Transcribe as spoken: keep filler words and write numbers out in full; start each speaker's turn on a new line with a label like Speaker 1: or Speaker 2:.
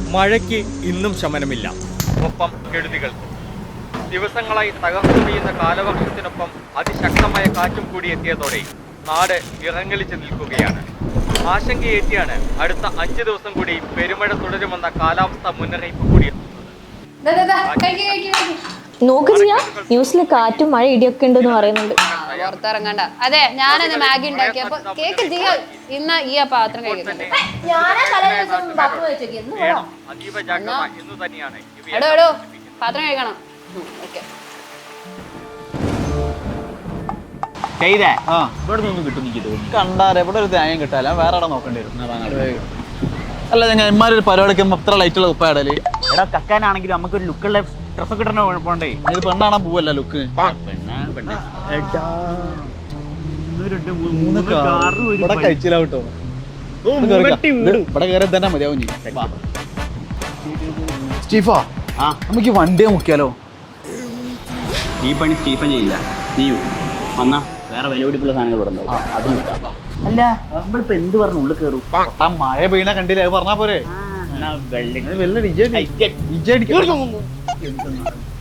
Speaker 1: മഴയ്ക്ക് ഇന്നും ശമനമില്ല, ഒപ്പം കെടുതികൾ. ദിവസങ്ങളായി തകർന്നു വീഴുന്ന കാലവർഷത്തിനൊപ്പം അതിശക്തമായ കാറ്റും കൂടി എത്തിയതോടെ നാട് വിറങ്ങലിച്ച് നിൽക്കുകയാണ്. ആശങ്കയേറ്റിയാണ് അടുത്ത അഞ്ചു ദിവസം കൂടി പെരുമഴ തുടരുമെന്ന കാലാവസ്ഥാ മുന്നറിയിപ്പ് കൂടി.
Speaker 2: നോക്ക് ചെയ്യാ ന്യൂസിൽ കാറ്റും മഴ ഇടിയൊക്കെ ഉണ്ടെന്ന് പറയുന്നുണ്ട്.
Speaker 3: പുറത്തിറങ്ങണ്ട. അതെ, ഞാനത് മാഗി ഉണ്ടാക്കിയപ്പോ കേക്ക് ചെയ്യാ ഇന്ന് ഈ ആ പാത്രം കഴിക്കുന്നത്. എടോ എടോ പാത്രം കഴിക്കണം. ഓക്കെ
Speaker 4: ഇവിടെ നിന്നും കിട്ടും. എനിക്ക് തോന്നുന്നു കണ്ടാരെ ഇവിടെ ഒരു തേങ്ങ കിട്ടാല വേറെ അവിടെ നോക്കേണ്ടി വരും. അല്ല ഞന്മാരൊരു പരിപാടിക്ക് എത്ര ലൈറ്റുള്ള ഉപ്പാടല്.
Speaker 5: എടാ കക്കാനാണെങ്കിലും നമുക്കൊരു ലുക്കുള്ള ഡ്രസ്സൊക്കെ ഇടണ പോണ്ടേ.
Speaker 4: ഇത് പെണ്ണാണാ പോവല്ല ലുക്ക്. ഇവിടെ കഴിച്ചില്ല കേട്ടോ. ഇവിടെ കയറി തന്നെ മതിയാവും. സ്റ്റീഫാ നമുക്ക് വണ്ടിയെ മുക്കിയാലോ?
Speaker 5: ഈ പണി സ്റ്റീഫൻ ചെയ്യില്ല. നീയു വന്നാ വേറെ വില പിടിപ്പുള്ള സാധനങ്ങൾ ഇവിടെ ഉണ്ടാവും. അത് നോക്കാം. അല്ല നമ്മളിപ്പോ എന്ത് പറഞ്ഞു ഉള്ളിൽ കയറും?
Speaker 4: മഴ പെയ്യണ കണ്ടില്ല, അത് പറഞ്ഞാ പോരെ.
Speaker 5: വെള്ളം
Speaker 4: വെള്ളം